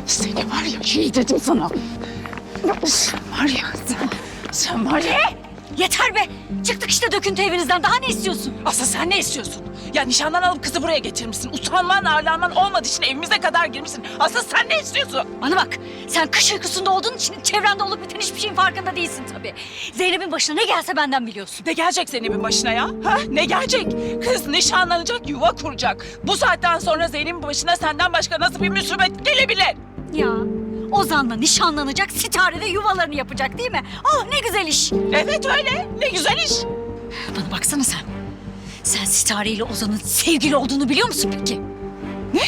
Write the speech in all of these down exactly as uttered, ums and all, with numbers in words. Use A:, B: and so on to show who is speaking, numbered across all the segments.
A: Seni var ya, şey dedim sana. Sen var ya, sen, sen var ya.
B: Yeter be! Çıktık işte döküntü evinizden. Daha ne istiyorsun?
A: Asıl sen ne istiyorsun? Ya nişandan alıp kızı buraya getirmişsin. Utanman, arlanman olmadığı için evimize kadar girmişsin. Asıl sen ne istiyorsun?
B: Bana bak, sen kış uykusunda olduğun için çevrende olup biten hiçbir şeyin farkında değilsin tabii. Zeynep'in başına ne gelse benden biliyorsun.
A: Ne gelecek Zeynep'in başına ya? Ha? Ne gelecek? Kız nişanlanacak, yuva kuracak. Bu saatten sonra Zeynep'in başına senden başka nasıl bir musibet gelebilir?
B: Ya, Ozan'la nişanlanacak, Sitare de yuvalarını yapacak değil mi? Oh ne güzel iş.
A: Evet öyle. Ne güzel iş.
B: Bana baksana sen. Sen Sitare ile Ozan'ın sevgili olduğunu biliyor musun peki?
A: Ne?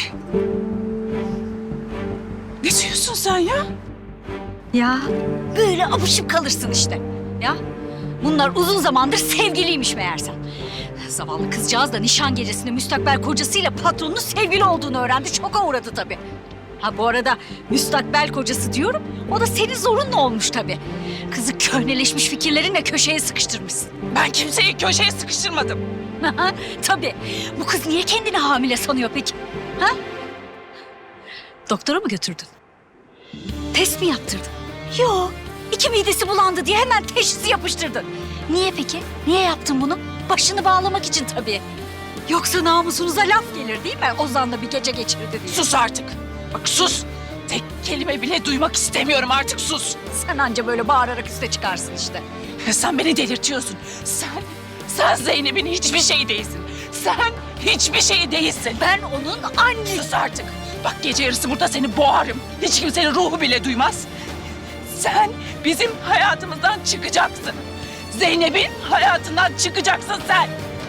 A: Ne diyorsun sen ya?
B: Ya böyle apışıp kalırsın işte. Ya bunlar uzun zamandır sevgiliymiş meğersem. Zavallı kızcağız da nişan gecesinde müstakbel kocasıyla patronun sevgili olduğunu öğrendi. Şoka uğradı tabii. Ha bu arada müstakbel kocası diyorum. O da senin zorunla olmuş tabii. Kızı köhneleşmiş fikirlerinle köşeye sıkıştırmışsın.
A: Ben kimseyi köşeye sıkıştırmadım.
B: Tabii. Bu kız niye kendini hamile sanıyor peki? Ha? Doktora mı götürdün? Test mi yaptırdın? Yok. İki midesi bulandı diye hemen teşhisi yapıştırdın. Niye peki? Niye yaptın bunu? Başını bağlamak için tabii. Yoksa namusunuza laf gelir değil mi? Ozan'la bir gece geçirdi diye.
A: Sus artık. Bak sus. Tek kelime bile duymak istemiyorum artık, sus.
B: Sen anca böyle bağırarak üste çıkarsın işte.
A: Sen beni delirtiyorsun. Sen, sen Zeynep'in hiçbir şey değilsin. Sen hiçbir şey değilsin.
B: Ben onun annesi.
A: Sus artık. Bak gece yarısı burada seni boğarım. Hiç kimsenin ruhu bile duymaz. Sen bizim hayatımızdan çıkacaksın. Zeynep'in hayatından çıkacaksın sen.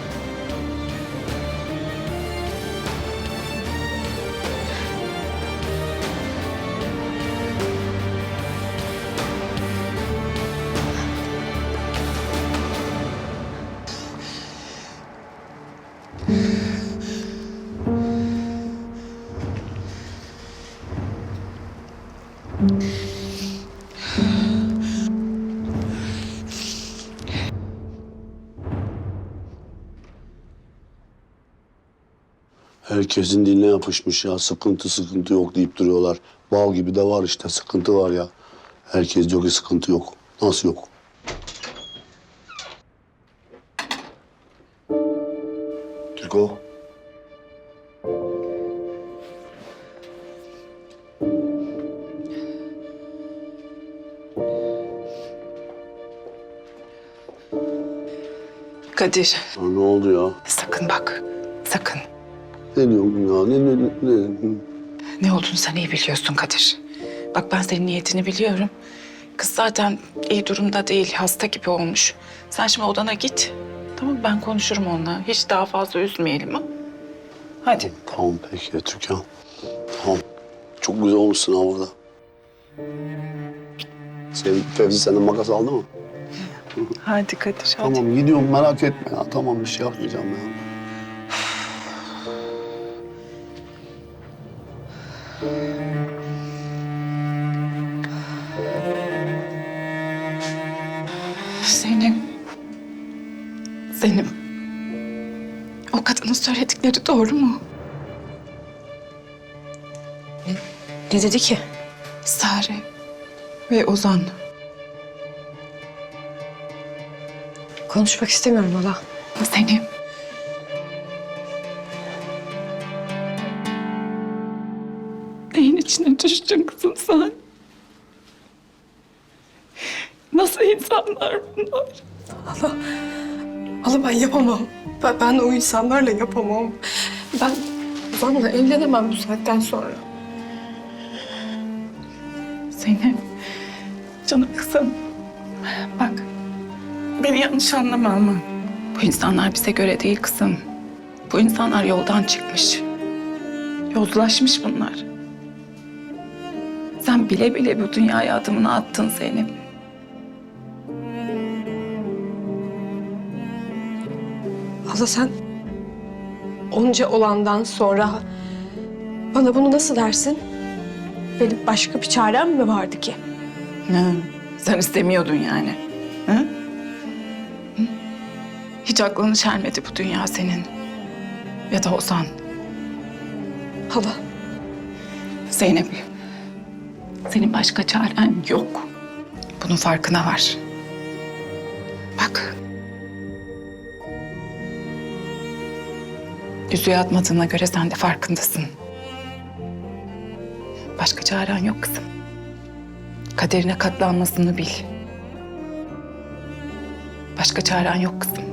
C: Herkesin diline yapışmış ya. Sıkıntı sıkıntı yok deyip duruyorlar. Bal gibi de var işte. Sıkıntı var ya. Herkes diyor ki sıkıntı yok. Nasıl yok? Türko.
A: Kadir,
C: Ya ne oldu ya?
A: sakın bak. Sakın.
C: Ne diyorsun ya? Ne, ne, ne, ne?
A: Ne olduğunu sen iyi biliyorsun Kadir. Bak ben senin niyetini biliyorum. Kız zaten iyi durumda değil, hasta gibi olmuş. Sen şimdi odana git. Tamam ben konuşurum onunla. Hiç daha fazla üzmeyelim ha. Hadi.
C: Tamam peki Türkan. Tamam. Çok güzel olmuşsun ha orada. Senin Fevzi senden makas aldı mı?
A: Hadi Kadir hadi.
C: Tamam gidiyorum merak etme ya. Tamam bir şey yapmayacağım ya.
A: Zeynep. Zeynep. O kadının söyledikleri doğru mu?
D: Ne dedi ki?
A: Sare ve Ozan.
D: Konuşmak istemiyorum hala.
A: Zeynep. Neyin içine düştün kızım sen? Nasıl insanlar bunlar?
D: Hala, hala ben yapamam. Ben, ben o insanlarla yapamam. Ben Ozan'la evlenemem bu saatten sonra.
A: Zeynep, canım kızım. Bak, beni yanlış anlama ama bu insanlar bize göre değil kızım. Bu insanlar yoldan çıkmış. Yozlaşmış bunlar. Sen bile bile bu dünyaya adımını attın Zeynep.
D: Hala sen onca olandan sonra bana bunu nasıl dersin? Benim başka bir çarem mi vardı ki?
A: Ha, sen istemiyordun yani. Ha? Hı? Hiç aklını çelmedi bu dünya senin. Ya da Ozan.
D: Hala,
A: Zeynep, Senin başka çaren yok. Bunun farkına var. Bak. Yüzüğü atmadığına göre sen de farkındasın. Başka çaren yok kızım. Kaderine katlanmasını bil. Başka çaren yok kızım.